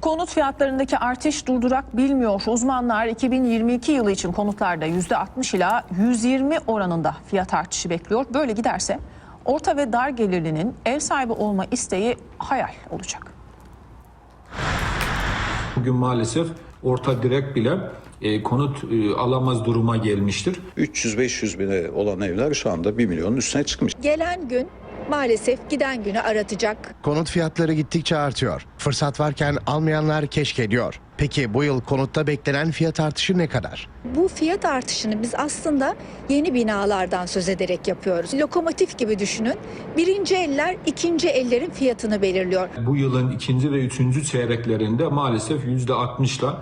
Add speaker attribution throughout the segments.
Speaker 1: Konut fiyatlarındaki artış durdurak bilmiyor. Uzmanlar 2022 yılı için konutlarda %60 ila %120 oranında fiyat artışı bekliyor. Böyle giderse orta ve dar gelirlinin ev sahibi olma isteği hayal olacak.
Speaker 2: Bugün maalesef orta direk bile konut alamaz duruma gelmiştir.
Speaker 3: 300-500 bine olan evler şu anda 1 milyonun üstüne çıkmış.
Speaker 4: Gelen gün maalesef giden günü aratacak.
Speaker 5: Konut fiyatları gittikçe artıyor. Fırsat varken almayanlar keşke diyor. Peki bu yıl konutta beklenen fiyat artışı ne kadar?
Speaker 4: Bu fiyat artışını biz aslında yeni binalardan söz ederek yapıyoruz. Lokomotif gibi düşünün. Birinci eller ikinci ellerin fiyatını belirliyor.
Speaker 2: Bu yılın ikinci ve üçüncü çeyreklerinde maalesef %60'la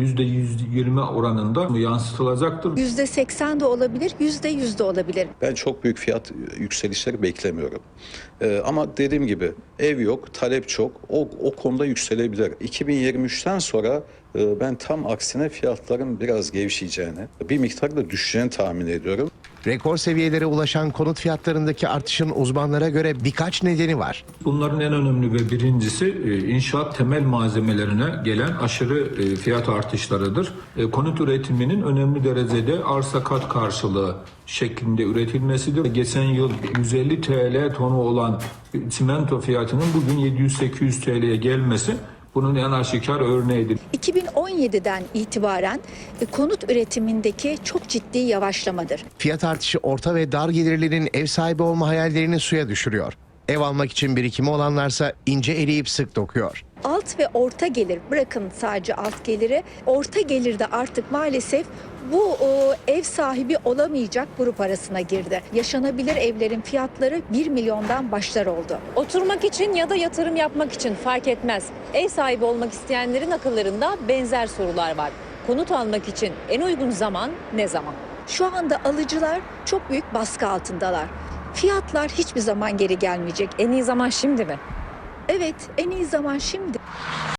Speaker 2: %120 oranında yansıtılacaktır.
Speaker 4: %80 de olabilir, %100 de olabilir.
Speaker 3: Ben çok büyük fiyat yükselişleri beklemiyorum. Ama dediğim gibi ev yok, talep çok. O konuda yükselebilir. 2023'ten sonra ben tam aksine fiyatların biraz gevşeyeceğini, bir miktar da düşeceğini tahmin ediyorum.
Speaker 5: Rekor seviyelere ulaşan konut fiyatlarındaki artışın uzmanlara göre birkaç nedeni var.
Speaker 2: Bunların en önemli ve birincisi inşaat temel malzemelerine gelen aşırı fiyat artışlarıdır. Konut üretiminin önemli derecede arsa kat karşılığı şeklinde üretilmesidir. Geçen yıl 150 TL tonu olan çimento fiyatının bugün 700-800 TL'ye gelmesi bunun en aşikar örneğidir.
Speaker 4: 2017'den itibaren konut üretimindeki çok ciddi yavaşlamadır.
Speaker 5: Fiyat artışı orta ve dar gelirlinin ev sahibi olma hayallerini suya düşürüyor. Ev almak için birikimi olanlarsa ince eleyip sık dokuyor.
Speaker 4: Alt ve orta gelir, bırakın sadece alt geliri, orta gelirde artık maalesef bu ev sahibi olamayacak grup arasına girdi. Yaşanabilir evlerin fiyatları 1 milyondan başlar oldu.
Speaker 6: Oturmak için ya da yatırım yapmak için fark etmez. Ev sahibi olmak isteyenlerin akıllarında benzer sorular var. Konut almak için en uygun zaman ne zaman?
Speaker 4: Şu anda alıcılar çok büyük baskı altındalar. Fiyatlar hiçbir zaman geri gelmeyecek.
Speaker 6: En iyi zaman şimdi mi?
Speaker 4: Evet, en iyi zaman şimdi.